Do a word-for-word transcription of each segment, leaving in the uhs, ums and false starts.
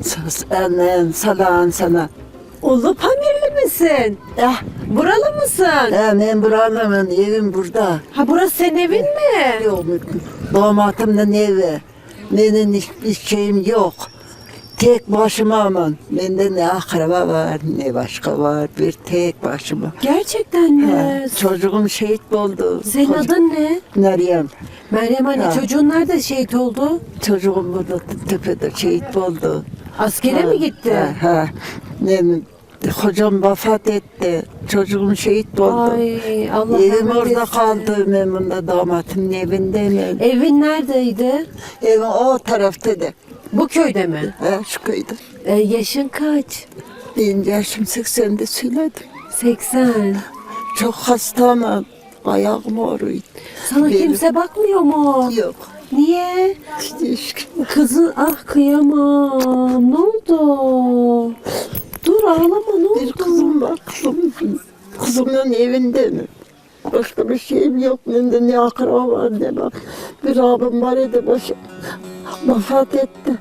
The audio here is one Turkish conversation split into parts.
Sus annem salam sana. Ulu Pamirli misin? Eh, Buralı mısın? eh, ben buralımın evim burada. Ha burası senin evin mi? Yok, damatımın evi. Benim hiçbir şeyim yok. Tek başıma aman. Bende ne akraba var, ne başka var. Bir tek başıma. Gerçekten mi? Ha, çocuğum şehit oldu. Senin Koca- adın ne? Meryem. Meryem anne, Ha. çocuğun nerede şehit oldu? Çocuğum burada tepede şehit oldu. Askere Ha, mi gitti? Ha, ha. Ne, hocam vefat etti. Çocuğum şehit oldu. Ay Allah Evim rahmet orada etsin. kaldı. Ben bunda damatımın evinde mi? Evin neredeydi? Evim o tarafta da. Bu köyde mi? Ha, şu köyde. E, yaşın kaç? Benim yaşım seksende söyledim. seksen. Çok hastayım. Ayağım ağrıyor. Sana Benim- kimse bakmıyor mu? Yok. Niye? Hiç. Kızın ah kıyamam. Ne oldu? Dur ağlama, ne oldu? Bir kızım var. Kızım, kızımın evinde mi? Başka bir şeyim yok. Bende ne akraba var ne bak. Bir abim var idi başı. Vefat etti.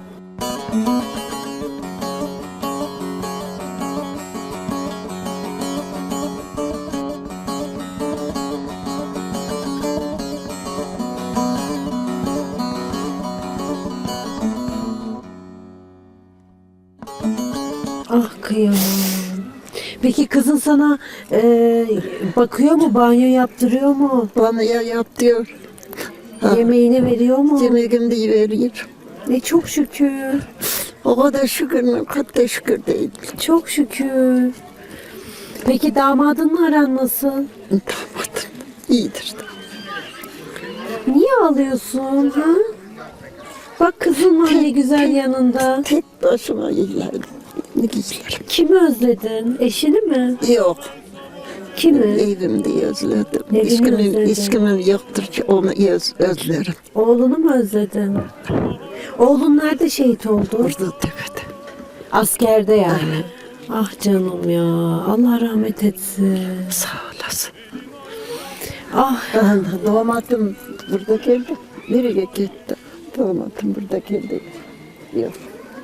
Ah kıyamam. Peki kızın sana e, bakıyor mu, banyo yaptırıyor mu? Bana ya yap diyor. Ha. Yemeğini veriyor mu? Yemeğimi de veriyor. E çok şükür. O kadar şükür mü? Hatta şükür değil. Çok şükür. Peki damadınla aran nasıl? Damadım iyidir. Niye ağlıyorsun ha? Bak kızın var ne güzel yanında. Tek başıma iyilerdim. Ne giysilerim? Kimi özledin? Eşini mi? Yok. Kimi? Evimde özledim. Evini İskimim, özledin. iskimim yoktur ki onu öz, özlerim. Oğlunu mu özledin? Oğlun nerede şehit oldu? Burada tepede. Askerde yani. Ah canım ya. Allah rahmet etsin. Sağ olasın. Ah Damatım burada geldi. Nereye gitti? Damatım burada geldi. Yok.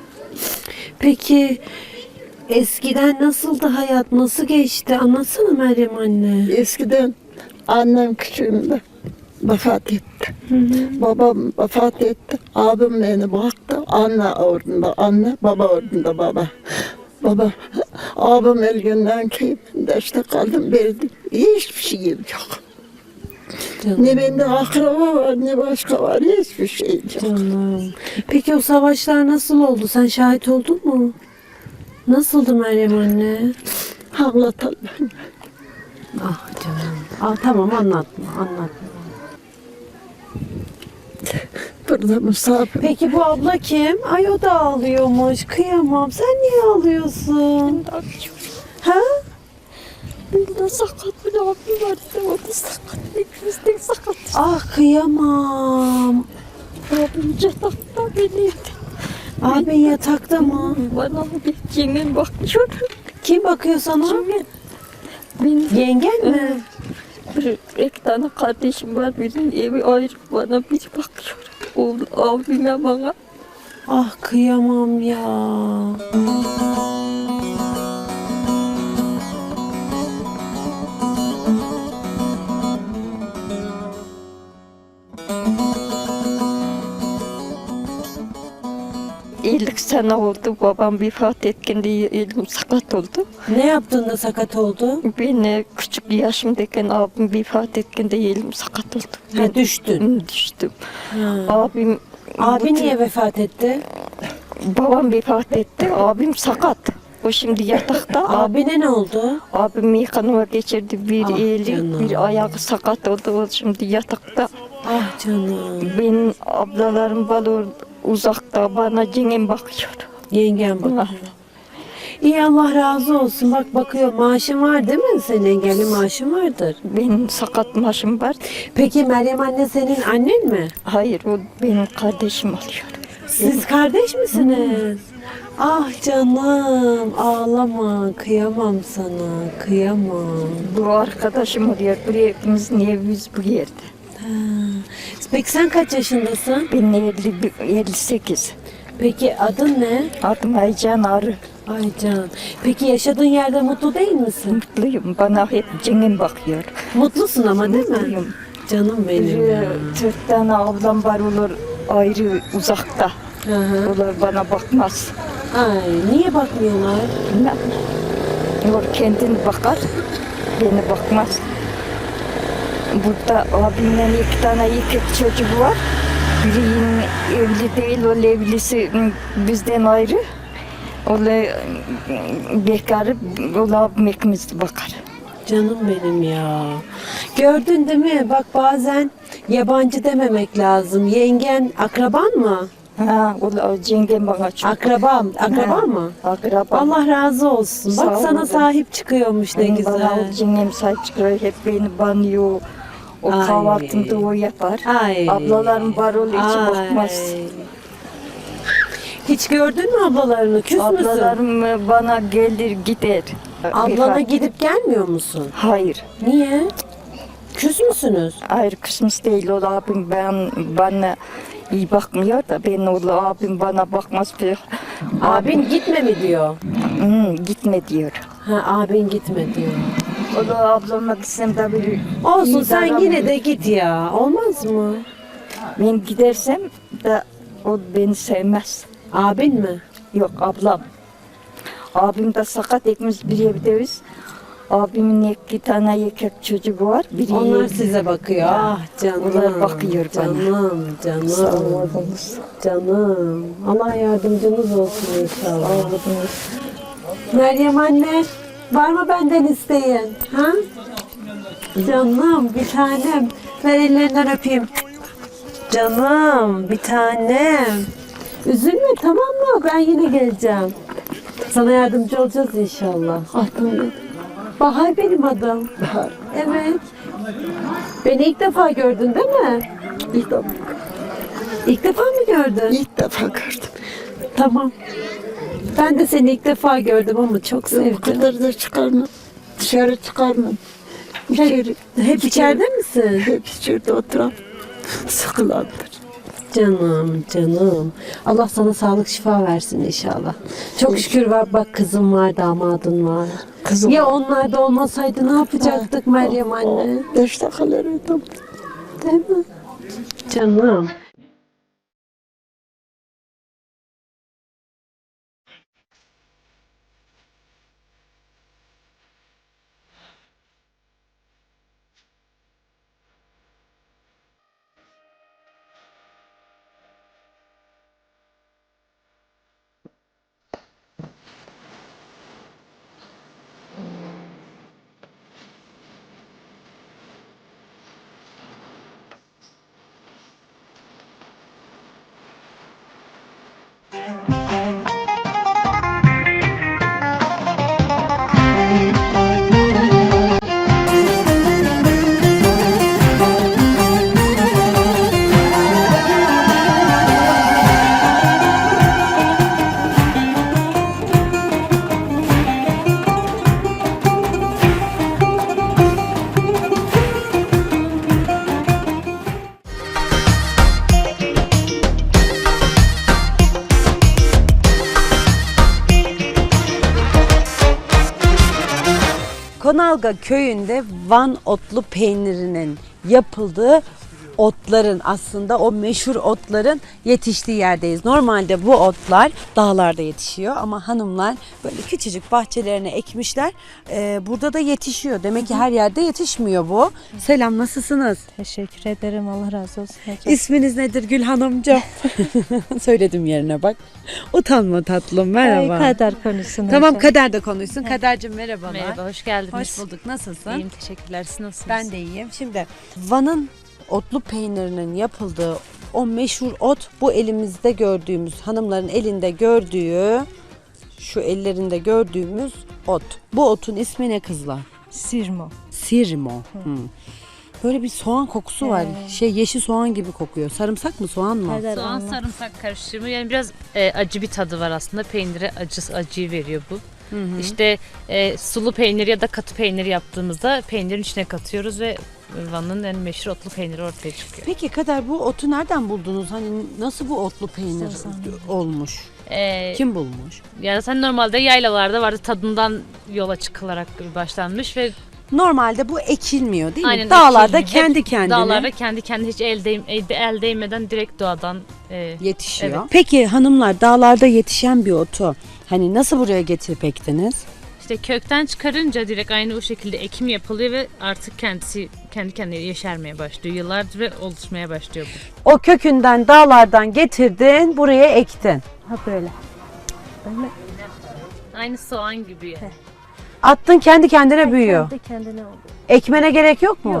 peki eskiden nasıldı hayat? Nasıl geçti? Anlatsana Meryem anne. Eskiden annem küçüğümde vefat etti. Babam vefat etti. Abim beni baktı. Anne ordunda anne, baba ordunda baba. Baba, abim ölgünden keyfinde işte kaldım verdim. Hiçbir şeyim yok. Canım. Ne bende akraba var ne başka var hiçbir şeyim yok. Canım. Peki o savaşlar nasıl oldu? Sen şahit oldun mu? Nasıldı Meryem anne? Anlatalım. Ah canım. Ah tamam anlatma, anlatma. Burada misafir. Peki bu abla kim? Ay o da ağlıyormuş. Kıyamam. Sen niye ağlıyorsun? Ha? Bunda sakat bir abim vardı, o da sakat. İkimiz de sakat. Ah kıyamam. Abim yatakta benimdi. Abin yatakta mı? Bana bir cingen bakıyor. Kim bakıyor sana? Cingen. Benim Yengen mi? bir, iki tane kardeşim var, birinin evi ayrı, bana bir bakıyor. O abime bana. Ah kıyamam ya. elli sene oldu, babam vefat ettiğinde elim sakat oldu. Ne yaptın da sakat oldu? Ben küçük yaşımdayken abim vefat ettiğinde elim sakat oldu. Ha, düştün. Düştüm. Ha. Abim Abi bütün- niye vefat etti? Babam vefat etti, abim sakat. O şimdi yatakta. Abine ne oldu? Abim yıkanma geçirdi, bir Ah eli, canım. bir ayağı sakat oldu. O şimdi yatakta. Ah canım. Benim ablalarım balır uzakta, bana cingen bakıyor. Yengen Ah. bak. İyi Allah razı olsun. Bak bakıyor. Maaşın var değil mi? Senin engelli maaşın vardır. Benim sakat maaşım var. Peki Meryem anne senin annen mi? Hayır, o benim kardeşim oluyor. Siz kardeş misiniz? Ah canım ağlama. Kıyamam sana. Kıyamam. Bu arkadaşım oluyor. Buraya hepimizin evimiz bu yerde. Ha. Peki sen kaç yaşındasın? Ben elli, elli sekiz. Peki adın ne? Adım Aycan Arı. Aycan. Peki yaşadığın yerde mutlu değil misin? Mutluyum. Bana hep cingin bakıyor. Mutlusun ama değil mi? Mutluyum. Canım benim ya. Ee, Dört tane ablam var olur ayrı uzakta. Hı hı. Onlar bana bakmaz. Ay, niye bakmıyorlar? Bilmem. O kendini bakar, beni bakmaz. Burada abimden iki tane erkek çocuğu var. Biri yine evli değil, o evlisi bizden ayrı. O bekarı, o abim ikimiz bakar. Canım benim ya. Gördün değil mi? Bak bazen yabancı dememek lazım. Yengen akraban mı? Ha, o cengem bana çok. Akrabam. Akraba Ha, mı? Akraba. Allah razı olsun. Sağ Bak sana olun. sahip çıkıyormuş ne Bana güzel. o cengem sahip çıkıyor, hep beni banıyor. O Ay. kahvaltımda o yapar. Ay. Ablalarım var ol hiç Ay. bakmaz. Hiç gördün mü ablalarını? Küs müsün? Ablalarım bana gelir gider. Ablana Bir- gidip gelmiyor musun? Hayır. Niye? Küs müsünüz? Hayır kısmız değil. O abim ben bana iyi bakmıyor da ben o abim bana bakmaz bir. Abin gitme mi diyor? Hı, gitme diyor. Ha, abin gitme diyor. O da ablama gitsem de bir Olsun iyi sen davranmıyor. yine de git ya. Olmaz mı? Ben gidersem de o beni sevmez. Abin mi? Yok ablam. Abim de sakat ikimiz bir evdeyiz. Abimin iki tane erkek çocuğu var. Biri Onlar evli. size bakıyor. Ah canım. Onlar bakıyor bana. Canım, canım. Sağ olunuz. Canım. Allah yardımcınız olsun inşallah. Sağ olunuz. Meryem anne, var mı benden isteyin? Ha? Canım, bir tanem. Ver ellerinden öpeyim. Canım, bir tanem. Üzülme tamam mı? Ben yine geleceğim. Sana yardımcı olacağız inşallah. Adım ne? Bahar benim adım. Bahar. Evet. Beni ilk defa gördün değil mi? İlk defa, İlk defa mı gördün? ilk defa gördüm. Tamam. Ben de seni ilk defa gördüm ama çok Bu sevdim. kadar da çıkarmam. Dışarı çıkarmam. İçeri, Hep içeride misin? hep içeride oturan sıkılandır. Canım, canım. Allah sana sağlık şifa versin inşallah. Çok şükür var bak kızım var, damadın var. Kızım. Ya onlar da olmasaydı ne yapacaktık Meryem anne? Beş dakikalarıydım. Değil mi? Canım. Konalga köyünde Van otlu peynirinin yapıldığı otların aslında o meşhur otların yetiştiği yerdeyiz. Normalde bu otlar dağlarda yetişiyor ama hanımlar böyle küçücük bahçelerine ekmişler. Ee, burada da yetişiyor. Demek ki her yerde yetişmiyor bu. Selam, nasılsınız? Teşekkür ederim. Allah razı olsun hocam. İsminiz nedir Gül Hanımcığım? Söyledim yerine bak. Utanma tatlım, merhaba. Ay, kader konusunda. Tamam, hocam. Kader de konuşsun. Kader'cim merhabalar. Merhaba, hoş geldiniz. Hoş bulduk. Nasılsın? İyiyim, teşekkürler. Siz nasılsınız? Ben de iyiyim. Şimdi Van'ın otlu peynirinin yapıldığı o meşhur ot, bu elimizde gördüğümüz, hanımların elinde gördüğü, şu ellerinde gördüğümüz ot. Bu otun ismi ne kızlar? Sirmo. Sirmo. Hmm. Böyle bir soğan kokusu var. Şey, yeşil soğan gibi kokuyor. Sarımsak mı, soğan mı? Kader Soğan anlat. sarımsak karışımı, yani biraz e, acı bir tadı var aslında. Peynire acı acıyı veriyor bu. İşte e, sulu peynir ya da katı peynir yaptığımızda peynirin içine katıyoruz ve Van'ın en meşhur otlu peyniri ortaya çıkıyor. Peki Kader, bu otu nereden buldunuz? Hani nasıl bu otlu peynir olmuş? E, Kim bulmuş? Yani sen normalde yaylalarda vardı, tadından yola çıkılarak başlanmış ve Normalde bu ekilmiyor değil mi? aynen Dağlarda ekilmiyor. kendi Hep kendine Dağlarda kendi kendine hiç el, değ, el, el değmeden direkt doğadan e, yetişiyor. Evet. Peki hanımlar, dağlarda yetişen bir otu hani nasıl buraya getirip ektiniz? işte kökten çıkarınca direkt aynı o şekilde ekim yapılıyor ve artık kendisi kendi kendine yeşermeye başlıyor. Yıllardır ve oluşmaya başlıyor bu. O kökünden, dağlardan getirdin, buraya ektin. Ha böyle. Böyle. Aynı soğan gibi yani. Attın, kendi kendine büyüyor. Kendi kendine oldu. Ekmene gerek yok mu? Yok.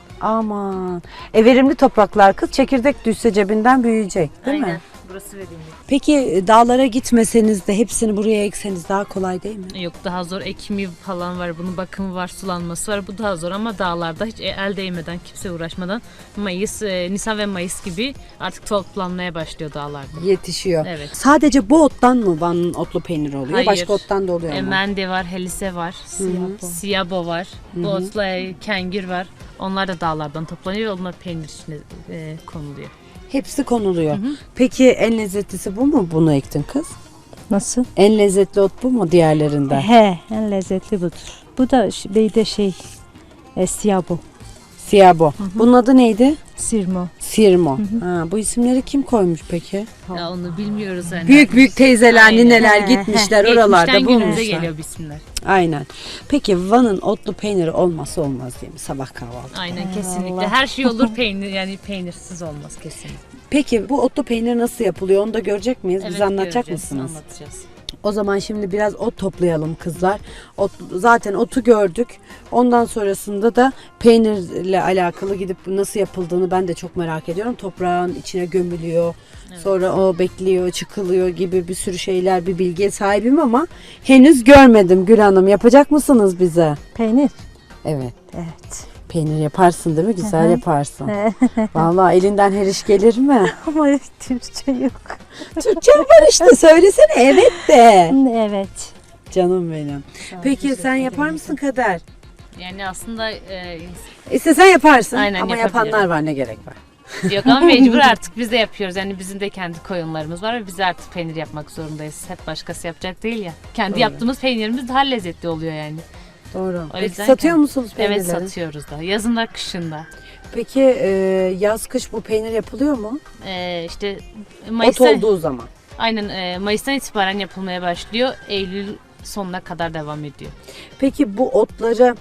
Aman. E verimli topraklar kız, çekirdek düşse cebinden büyüyecek değil Aynen. mi? Burası verimli. Peki e, dağlara gitmeseniz de hepsini buraya ekseniz daha kolay değil mi? Yok, daha zor, ekimi falan var, bunun bakımı var, sulanması var, bu daha zor ama dağlarda hiç el değmeden, kimse uğraşmadan Mayıs, e, Nisan ve Mayıs gibi artık toplanmaya başlıyor dağlarda. Yetişiyor. Evet. Sadece bu ottan mı Van'ın otlu peyniri oluyor? Hayır. Başka ottan da oluyor E, mu? mende var, helise var, Siyabo. siyabo var, bu otla e, kengir var. Onlar da dağlardan toplanıyor ve onlar peynir içine e, konuluyor. Hepsi konuluyor. Peki en lezzetlisi bu mu? Bunu ektin kız. Nasıl? En lezzetli ot bu mu diğerlerinden? He, en lezzetli budur. Bu da ş- bir de şey, e, siyabo, Siyabo. Bunun adı neydi? sirmo. Sirmo. Ha, bu isimleri kim koymuş peki? Ya onu bilmiyoruz yani. Büyük büyük teyzeler, Aynen. nineler gitmişler oralarda Geçmişten günümüze bulmuşlar. geliyor bu isimler. Aynen. Peki Van'ın otlu peyniri olmazsa olmaz değil mi? Sabah kahvaltı. Aynen, kesinlikle. Her şey olur peynir, yani peynirsiz olmaz kesinlikle. Peki bu otlu peynir nasıl yapılıyor? Onu da görecek miyiz? Bize anlatacak göreceğiz, mısınız? Anlatacağız. O zaman şimdi biraz ot toplayalım kızlar. Ot, zaten otu gördük. Ondan sonrasında da peynirle alakalı gidip nasıl yapıldığını ben de çok merak ediyorum. Toprağın içine gömülüyor. Sonra o bekliyor, çıkılıyor gibi bir sürü şeyler, bir bilgiye sahibim ama henüz görmedim Gül Hanım. Yapacak mısınız bize? Peynir. Evet. Evet. Peynir yaparsın değil mi? Güzel Hı hı. yaparsın. Vallahi elinden her iş gelir mi? Ama Türkçe yok. Türkçe var işte, söylesene evet de. Evet. Canım benim. Peki sen yapar mısın Kader? Yani aslında e, İstesen yaparsın Aynen, ama yapabilirim. yapanlar var, ne gerek var? yok ama mecbur artık biz de yapıyoruz. Yani bizim de kendi koyunlarımız var ve biz de artık peynir yapmak zorundayız. Hep başkası yapacak değil ya. Kendi Doğru. yaptığımız peynirimiz daha lezzetli oluyor yani. Doğru. O Peki yüzden satıyor kendi- musunuz peynirleri? Evet, satıyoruz da. Yazında, kışında. Peki e, yaz kış bu peynir yapılıyor mu? E, işte Ot Mayıs'tan, olduğu zaman. aynen e, Mayıs'tan itibaren yapılmaya başlıyor. Eylül sonuna kadar devam ediyor. Peki bu otları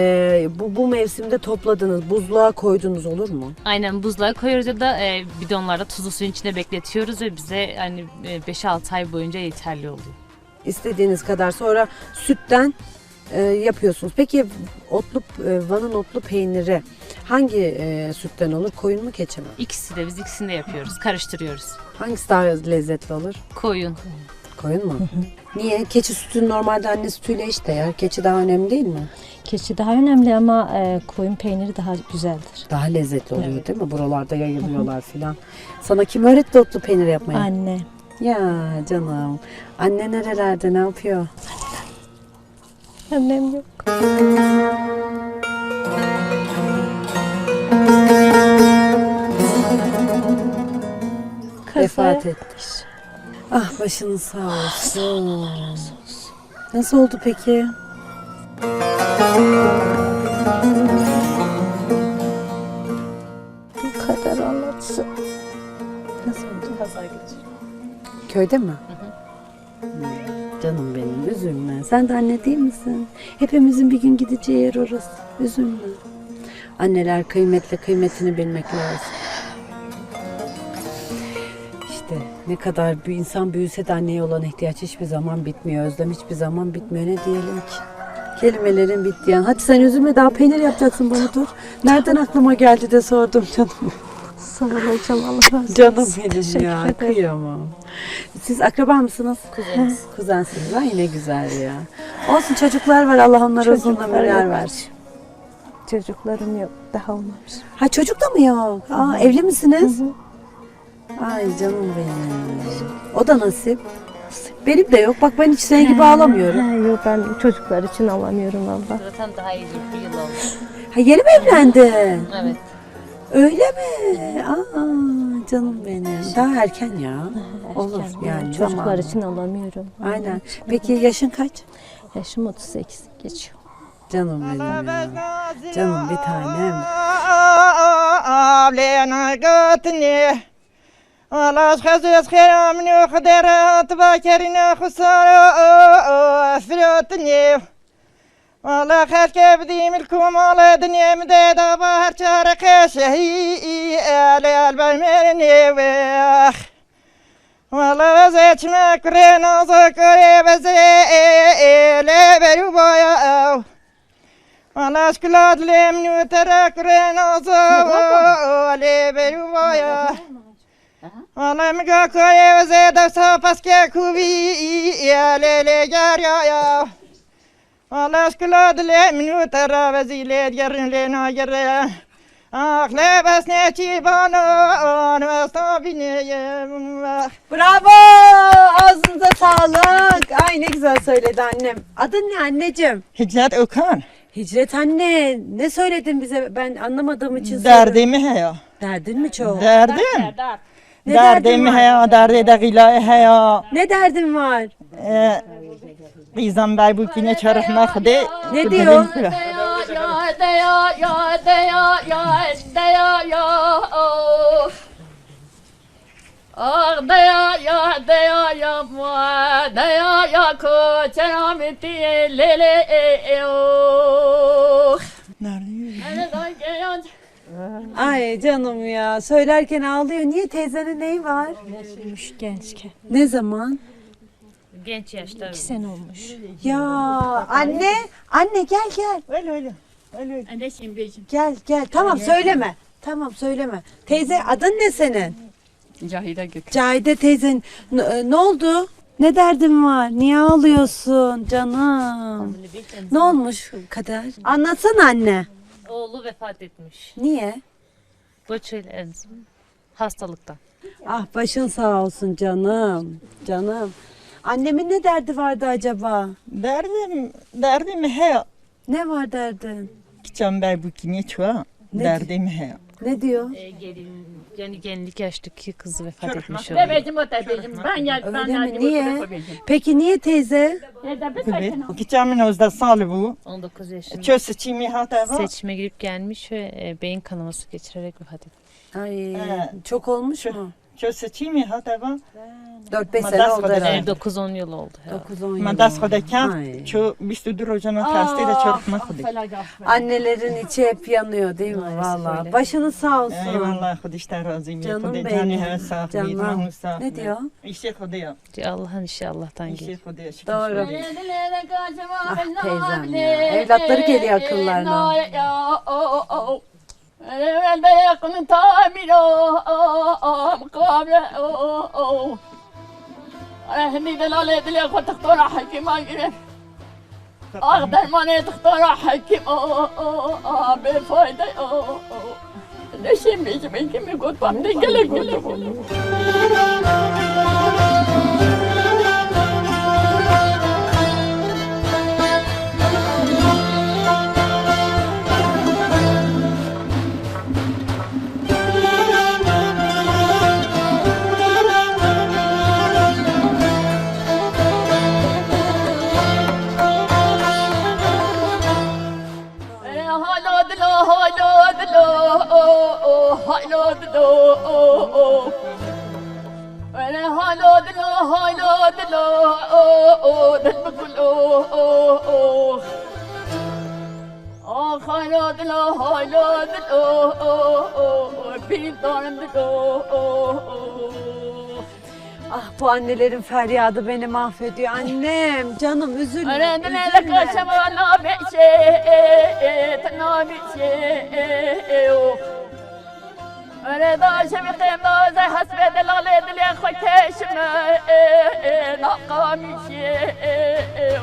e, bu, bu mevsimde topladınız, buzluğa koydunuz olur mu? Aynen, buzluğa koyuyoruz ya da e, bidonlarda tuzlu suyun içinde bekletiyoruz ve bize hani e, beş altı ay boyunca yeterli oluyor. İstediğiniz kadar, sonra sütten e, yapıyorsunuz. Peki otlu e, Van'ın otlu peyniri hangi e, sütten olur? Koyun mu, keçi mi? İkisi de, biz ikisini de yapıyoruz. Karıştırıyoruz. Hangisi daha lezzetli olur? Koyun. Koyun mu? Niye? Keçi sütü normalde anne sütüyle işte yer. Keçi daha önemli değil mi? Keçi daha önemli ama e, koyun peyniri daha güzeldir. Daha lezzetli oluyor değil mi? Buralarda yayılıyorlar filan. Sana kim öğretti otlu peynir yapmayı? Anne. Ya canım. Anne nerelerde, ne yapıyor? Annem yok. Vefat etmiş. Ah, başınız sağ olsun. Nasıl oldu peki? Bu kadar anlatsın. Nasıl oldu? Kaza geçirdim. Köyde mi? Hmm, canım benim, üzülme. Sen de anne değil misin? Hepimizin bir gün gideceği yer orası. Üzülme. Anneler kıymetle, kıymetini bilmek lazım. İşte ne kadar bir insan büyüse de anneye olan ihtiyaç hiçbir zaman bitmiyor. Özlem hiçbir zaman bitmiyor. Ne diyelim ki? Kelimelerin bittiği an. Hadi sen üzülme, daha peynir yapacaksın bana, dur. Nereden aklıma geldi de sordum canım. Sağ ol hocam, Allah razı olsun. Canım benim Teşekkür ya, ederim. kıyamam. Siz akraba mısınız? Kuzeniz. Kuzensiniz. Ay ne güzel ya. Olsun, çocuklar var, Allah onlara uzun Çocuklar ömürler yok. versin. Çocuklarım yok, daha olmamış. Ha, çocuk da mı yok? Aa, evli misiniz? Ay canım benim. O da nasip. Benim de yok. Bak ben hiç senin gibi ağlamıyorum. Ha, yok ben çocuklar için alamıyorum abla. Zaten daha iyi bir yıl oldu. Ha, yeni mi evlendin? Evet. Öyle mi? Aa, canım benim. Daha erken ya. Olur yani. Çocuklar zamanı. için alamıyorum. Aynen. Peki yaşın kaç? Yaşım otuz sekiz geçiyor. Canım benim ya. Canım bir tanem. Avlena gatni Alas khazes khayam nu khadarat bakarina khusara afratni Wala khalka bdim alkum ala dunya mdada bahar charqa shahi ala albaymerni wa Wala zachma kurena zakare bazai la barubaya Ana şkılad lemnu terakren azale beruvaya Ana mga koye zeda sapaske kuvi alele garya ya Ana şkılad lemnu teravazile yarın lena yarya Akle basne çibano anvasta bineye Bravo! Ağzınıza sağlık. Ay ne güzel söyledi annem. Adın ne anneciğim? Hicret Okan Hicret anne. Ne söyledin bize? Ben anlamadığım için soruyorum. derdimi heya Derdin mi çok? derdim Ne derdin derdimi var? heya derdi de gilay heya Ne derdin var? Qizam bey bu kine çarıhma xde Ne diyor? Ah daya ya daya ya mua daya ya ko çerameti lele e e o. Nerede geliyor? Ay canım ya. Söylerken ağlıyor. Niye teyzenin neyi var? Gençken. Ne zaman? Genç yaşta. iki sene olmuş. Ya anne. Anne gel gel. Öyle öyle. Öyle. Anneşim bejim. Gel gel. Tamam söyleme. Tamam söyleme. Teyze adın ne senin? Cahide Gök. Cahide teyzen ne, ne oldu? Ne derdin var? Niye ağlıyorsun canım? Ne olmuş Kader? Anlatsana anne. Oğlu vefat etmiş. Niye? Boçöl hastalıktan. Ah başın sağ olsun canım. Canım. Annemin ne derdi vardı acaba? Derdim, derdim heya. Ne var derdin? Qizam bey bu kine çua. Ne Derdim heya. Ne diyor? Ee, gelin, yani genlik yaştaki kız vefat etmiş oldu. Bebecim o tebecim. Ben gel ben Öyle mi? gel. Niye? Peki niye teyze? Nerede bir Evet. sakin ol. Qizamın özde salı bu. on dokuz yaşında. Çöz seçimi hata var. Seçime girip gelmiş ve e, beyin kanaması geçirerek vefat etmiş. Ay Evet. çok olmuş mu? Çöz seçimi hata var. dört beş Ama sene das oldu kadar herhalde. E, dokuz on yıl oldu. herhalde. dokuz on yıl Ma das oldu. khoda kan. Ay. Ço بیست و دو روزانه کاسته ده çarpma khoda. Annelerin içi hep yanıyor değil mi? Maalesef Vallahi. öyle. Başınız sağ olsun. Eyvallah خودش razı mi. Canım Khoda benim. cani her sağ. Canım. Ne diyor? İşte khoda ya. Allah'ın işi Allah'tan İşte gelir. khoda ya. Doğru. Ah teyzem ya. Evlatları geliyor akıllarına. أقدر ما تختار حكيم بفايدة نشم بيجي من كم يقول بامدي قلق قلق Ah bu annelerin feryadı beni mahvediyor. Annem canım üzülme. أنا لك üzülme. شمع نابع شيء نابع شيء أنا دا شمع قيم زي حسب دلالي دلي خوك شمع نقامي شيء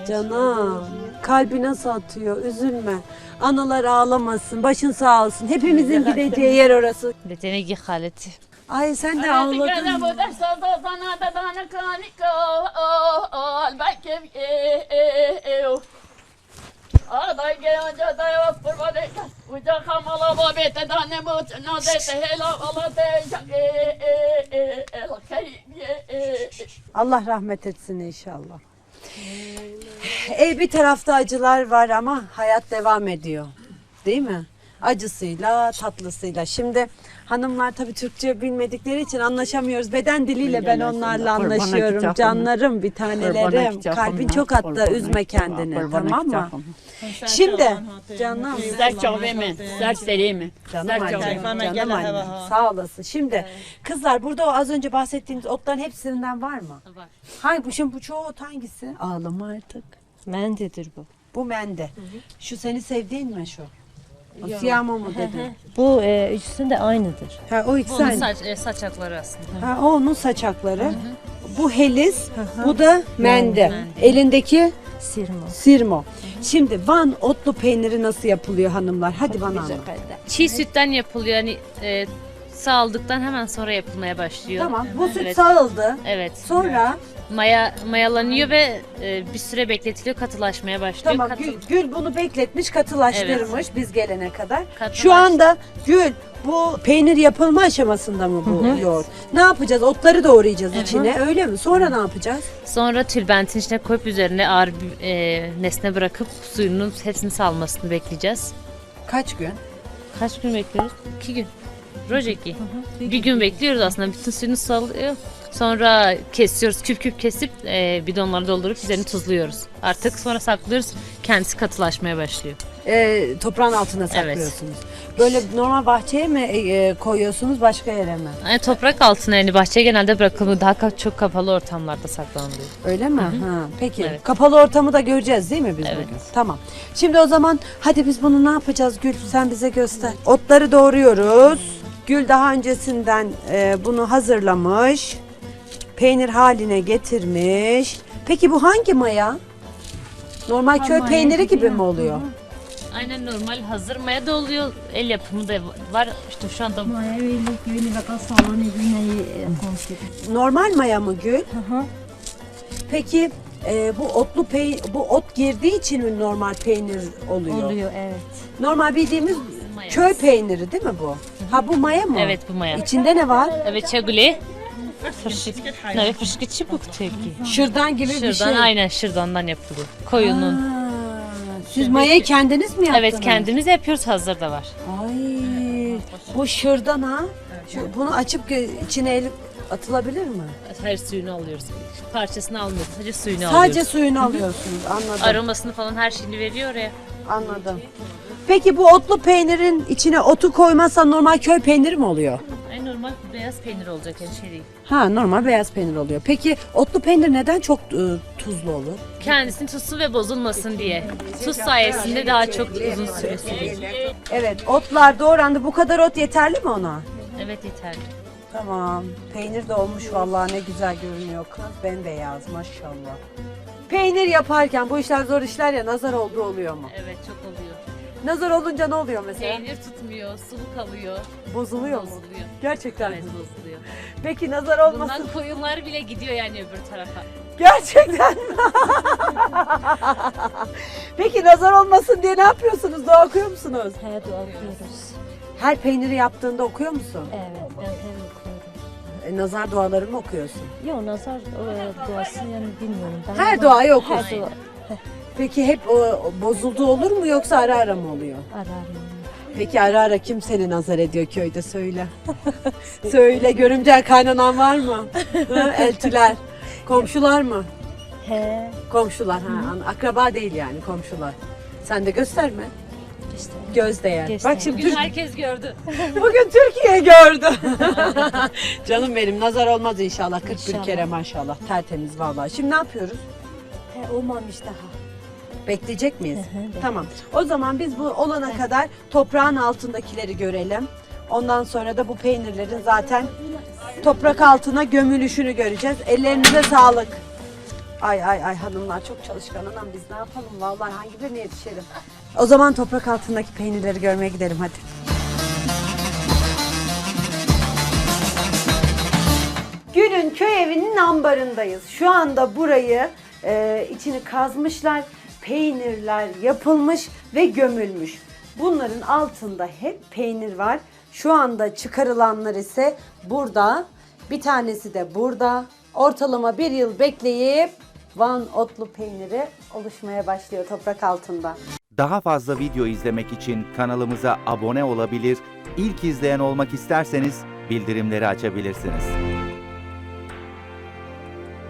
Canım, kalbi nasıl atıyor, üzülme. Analar ağlamasın, başın sağ olsun. Hepimizin gideceği yer orası. Detene haleti. Ay sen de ağladın. Aday gelince de yok kurban et. Uca kamala babete tane mut nazete hela alate el kayye. Allah rahmet etsin inşallah. Ev bir tarafta acılar var ama hayat devam ediyor. Değil mi? Acısıyla, tatlısıyla. Şimdi hanımlar tabii Türkçe bilmedikleri için anlaşamıyoruz. Beden diliyle ben onlarla anlaşıyorum. Canlarım, bir tanelerim. Kalbin çok attı, üzme kendini. Tamam mı? Şimdi canım. Sizler çok emin, sizler serimi. Canım Sizler çok annem, Bana canım gel, annem. hava, ha. Sağ olasın. Şimdi kızlar burada o az önce bahsettiğimiz otların hepsinden var mı? Var. Hangi bu şimdi bu çoğu ot hangisi? Ağlama artık. Mendedir bu. Bu mende. Şu seni sevdiğin mi şu? O siyamo mu dedi? Bu e, ikisi de aynıdır. Ha o ikisi Bu onun aynı. saç, e, saçakları aslında. Ha o onun saçakları. Bu helis, bu da mende. Elindeki Sirma. sirmo. Şimdi Van otlu peyniri nasıl yapılıyor hanımlar? Hadi bana anlat. Çiğ sütten yapılıyor. Yani e, sağıldıktan hemen sonra yapılmaya başlıyor. Tamam. Bu süt Evet. sağıldı. Evet. Sonra Maya mayalanıyor ve e, bir süre bekletiliyor, katılaşmaya başlıyor. tamam Katı- Gül, Gül bunu bekletmiş, katılaştırmış biz gelene kadar. Katılaş- Şu anda Gül bu peynir yapılma aşamasında mı bu yoğurt? Ne yapacağız? Otları doğrayacağız içine öyle mi? Sonra ne yapacağız? Sonra tülbentin içine koyup üzerine ağır bir e, nesne bırakıp suyunun hepsini salmasını bekleyeceğiz. Kaç gün? Kaç gün bekliyoruz? İki gün. Rojeki. Bir gün bekliyoruz aslında. Bütün suyunu salıyor. Sonra kesiyoruz. Küp küp kesip e, bidonlara doldurup üzerini tuzluyoruz. Artık sonra saklıyoruz. Kendisi katılaşmaya başlıyor. Ee, toprağın altına saklıyorsunuz. Böyle normal bahçeye mi e, koyuyorsunuz başka yere mi? Yani toprak altına yani bahçeye genelde bırakılıyor. Daha ka- çok kapalı ortamlarda saklanılıyor. Öyle mi? Ha, peki. Evet. Kapalı ortamı da göreceğiz değil mi biz Evet. bugün? Tamam. Şimdi o zaman hadi biz bunu ne yapacağız Gül? Sen bize göster. Otları doğruyoruz. Gül daha öncesinden e, bunu hazırlamış. Peynir haline getirmiş. Peki bu hangi maya? Normal köy peyniri gibi mi oluyor? Aynen normal hazır maya da oluyor. El yapımı da var. İşte şu anda Normal maya mı Gül? Peki e, bu otlu pey bu ot girdiği için mi normal peynir oluyor? Oluyor evet. Normal bildiğimiz Maya. köy peyniri değil mi bu? Ha bu maya mı? Evet bu maya. İçinde ne var? Evet çaguli. Ne fışkı çubuk teki. Şırdan gibi bir Şırdan şey. aynen şırdandan yapılıyor. Koyunun. Ha, siz mayayı kendiniz mi yaptınız? Evet kendimiz yapıyoruz, hazır da var. Ay bu şırdan ha. Şu, bunu açıp gö- içine el atılabilir mi? Her suyunu alıyoruz. Parçasını almıyoruz. Sadece suyunu Sadece alıyoruz. suyunu alıyorsunuz. Anladım. Aromasını falan her şeyini veriyor oraya. Anladım. Peki bu otlu peynirin içine otu koymazsan normal köy peyniri mi oluyor? Ay normal beyaz peynir olacak yani şey değil. Ha normal beyaz peynir oluyor. Peki otlu peynir neden çok e, tuzlu olur? Kendisini tutsun ve bozulmasın diye. Tuz sayesinde daha çok uzun süre sürüyor. Evet otlar doğrandı. Bu kadar ot yeterli mi ona? Evet yeterli. Tamam. Peynir de olmuş vallahi ne güzel görünüyor kız. Bembeyaz maşallah. Peynir yaparken bu işler zor işler ya nazar olduğu oluyor mu? Evet çok oluyor. Nazar olunca ne oluyor mesela? Peynir tutmuyor, sulu kalıyor. Bozuluyor mu? Bozuluyor. Gerçekten Evet mi? bozuluyor. Peki nazar olmasın. Bundan koyunlar bile gidiyor yani öbür tarafa. Gerçekten mi? Peki nazar olmasın diye ne yapıyorsunuz? Dua okuyor musunuz? Her dua okuyoruz. Her peyniri yaptığında okuyor musun? Evet ben her okuyorum. E, nazar duaları mı okuyorsun? Yok nazar e, duası yani bilmiyorum. Ben Her ama- duayı okuyorsun. Her dua Peki hep o, bozuldu olur mu yoksa ara ara mı oluyor? ararım. Peki ara ara kim seni nazar ediyor köyde söyle. Söyle görümcel kaynanan var mı? Ha, eltiler. Komşular mı? He. Komşular ha. an- Akraba değil yani komşular. Sen de gösterme. İşte. Göz değer. Göster. Bak şimdi Bugün Türk- herkes gördü. bugün Türkiye gördü. Canım benim nazar olmaz inşallah. kırk bir İnşallah. kere maşallah. Tertemiz vallahi. Şimdi ne yapıyoruz? He olmamış daha. Bekleyecek miyiz? Hı hı, bekle. Tamam. O zaman biz bu olana kadar toprağın altındakileri görelim. Ondan sonra da bu peynirlerin zaten toprak altına gömülüşünü göreceğiz. Ellerinize sağlık. Ay ay ay hanımlar çok çalışkan anam biz ne yapalım vallahi hangi birine yetişelim. O zaman toprak altındaki peynirleri görmeye gidelim hadi. Gül'ün köy evinin ambarındayız. Şu anda burayı e, içini kazmışlar, peynirler yapılmış ve gömülmüş. Bunların altında hep peynir var. Şu anda çıkarılanlar ise burada, bir tanesi de burada. Ortalama bir yıl bekleyip Van otlu peyniri oluşmaya başlıyor toprak altında. Daha fazla video izlemek için kanalımıza abone olabilir, ilk izleyen olmak isterseniz bildirimleri açabilirsiniz.